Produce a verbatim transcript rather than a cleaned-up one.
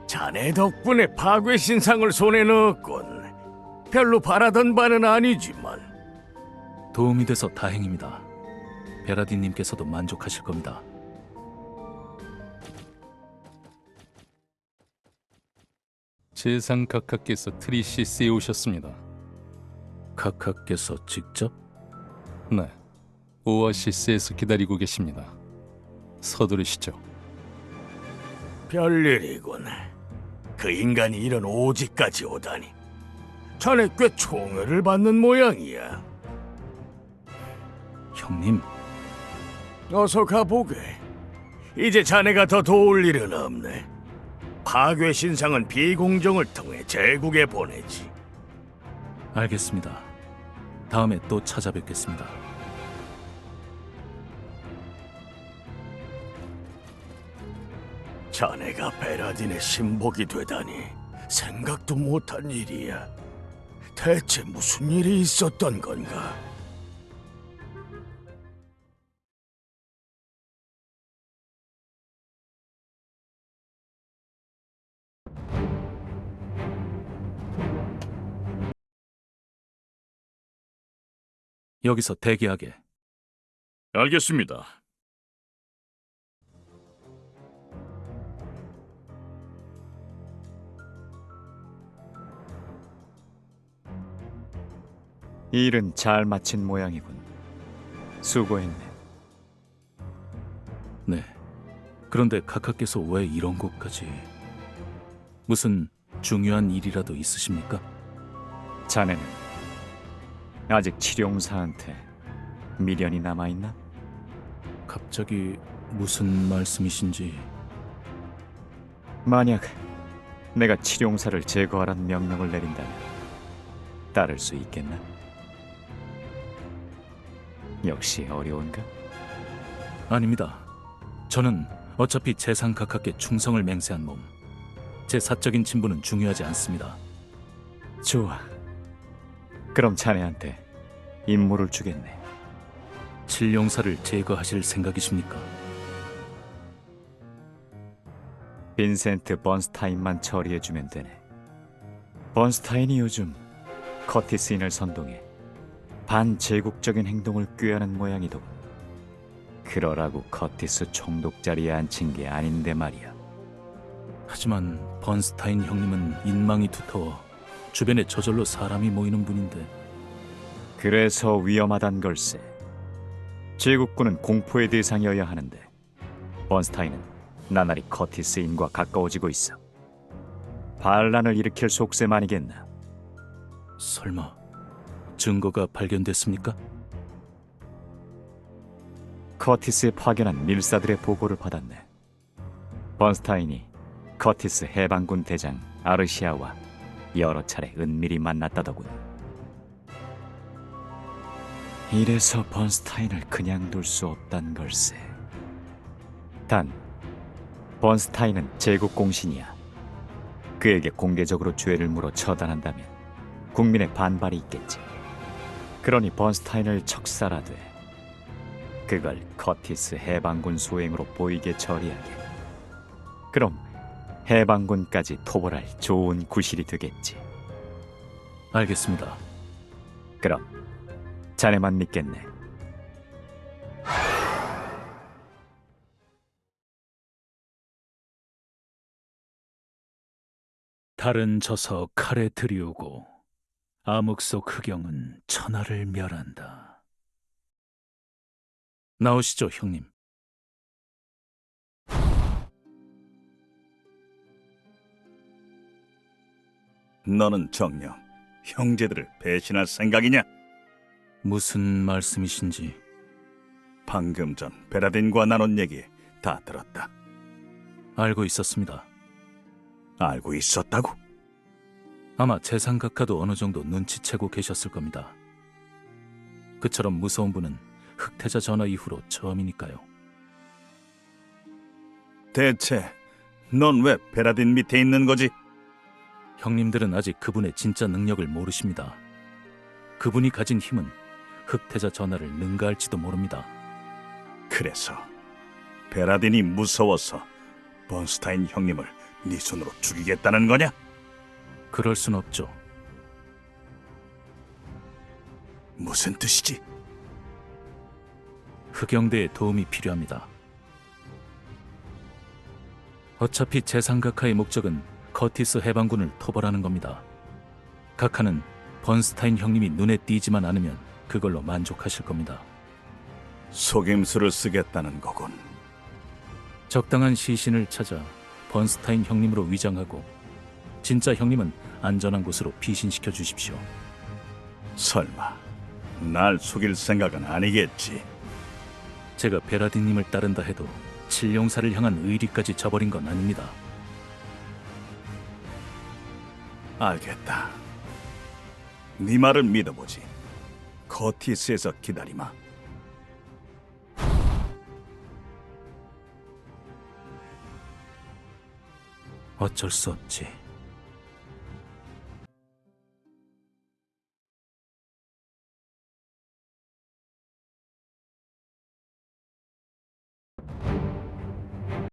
자네 덕분에 파괴 신상을 손에 넣었군. 별로 바라던 바는 아니지만. 도움이 돼서 다행입니다. 베라딘님께서도 만족하실 겁니다. 재상 각하께서 트리시스에 오셨습니다. 카카께서 직접? 네, 오아시스에서 기다리고 계십니다. 서두르시죠. 별일이군. 그 인간이 이런 오지까지 오다니. 자네 꽤 총애를 받는 모양이야. 형님, 어서 가보게. 이제 자네가 더 도울 일은 없네. 파괴 신상은 비공정을 통해 제국에 보내지. 알겠습니다. 다음에 또 찾아뵙겠습니다. 자네가 베라딘의 신복이 되다니 생각도 못한 일이야. 대체 무슨 일이 있었던 건가? 여기서 대기하게. 알겠습니다. 일은 잘 마친 모양이군. 수고했네. 네. 그런데 카카께서 왜 이런 곳까지... 무슨 중요한 일이라도 있으십니까? 자네는 아직 칠용사한테 미련이 남아있나? 갑자기 무슨 말씀이신지... 만약 내가 칠용사를 제거하라는 명령을 내린다면 따를 수 있겠나? 역시 어려운가? 아닙니다. 저는 어차피 재상 카카께 충성을 맹세한 몸. 제 사적인 친분은 중요하지 않습니다. 좋아. 그럼 자네한테 임무를 주겠네. 칠용사를 제거하실 생각이십니까? 빈센트 번스타인만 처리해주면 되네. 번스타인이 요즘 커티스인을 선동해 반제국적인 행동을 꾀하는 모양이더군. 그러라고 커티스 총독 자리에 앉힌 게 아닌데 말이야. 하지만 번스타인 형님은 인망이 두터워 주변에 저절로 사람이 모이는 분인데... 그래서 위험하단 걸세. 제국군은 공포의 대상이어야 하는데 번스타인은 나날이 커티스인과 가까워지고 있어. 반란을 일으킬 속셈 아니겠나? 설마 증거가 발견됐습니까? 커티스에 파견한 밀사들의 보고를 받았네. 번스타인이 커티스 해방군 대장 아르시아와 여러 차례 은밀히 만났다더군. 이래서 번스타인을 그냥 둘 수 없단 걸세. 단, 번스타인은 제국 공신이야. 그에게 공개적으로 죄를 물어 처단한다면 국민의 반발이 있겠지. 그러니 번스타인을 척살하되 그걸 커티스 해방군 소행으로 보이게 처리하게. 그럼 해방군까지 토벌할 좋은 구실이 되겠지. 알겠습니다. 그럼 자네만 믿겠네. 달은 져서 칼에 들이우고 암흑 속 흑영은 천하를 멸한다. 나오시죠, 형님. 너는 정녕 형제들을 배신할 생각이냐? 무슨 말씀이신지... 방금 전 베라딘과 나눈 얘기 다 들었다. 알고 있었습니다. 알고 있었다고? 아마 재상각하도 어느 정도 눈치채고 계셨을 겁니다. 그처럼 무서운 분은 흑태자 전화 이후로 처음이니까요. 대체 넌 왜 베라딘 밑에 있는 거지? 형님들은 아직 그분의 진짜 능력을 모르십니다. 그분이 가진 힘은 흑태자 전하를 능가할지도 모릅니다. 그래서 베라딘이 무서워서 번스타인 형님을 네 손으로 죽이겠다는 거냐? 그럴 순 없죠. 무슨 뜻이지? 흑영대의 도움이 필요합니다. 어차피 제상각하의 목적은 커티스 해방군을 토벌하는 겁니다. 각하는 번스타인 형님이 눈에 띄지만 않으면 그걸로 만족하실 겁니다. 속임수를 쓰겠다는 거군. 적당한 시신을 찾아 번스타인 형님으로 위장하고 진짜 형님은 안전한 곳으로 피신시켜 주십시오. 설마 날 속일 생각은 아니겠지? 제가 베라딘님을 따른다 해도 칠룡사를 향한 의리까지 저버린 건 아닙니다. 알겠다. 네 말을 믿어보지. 커티스에서 기다리마. 어쩔 수 없지.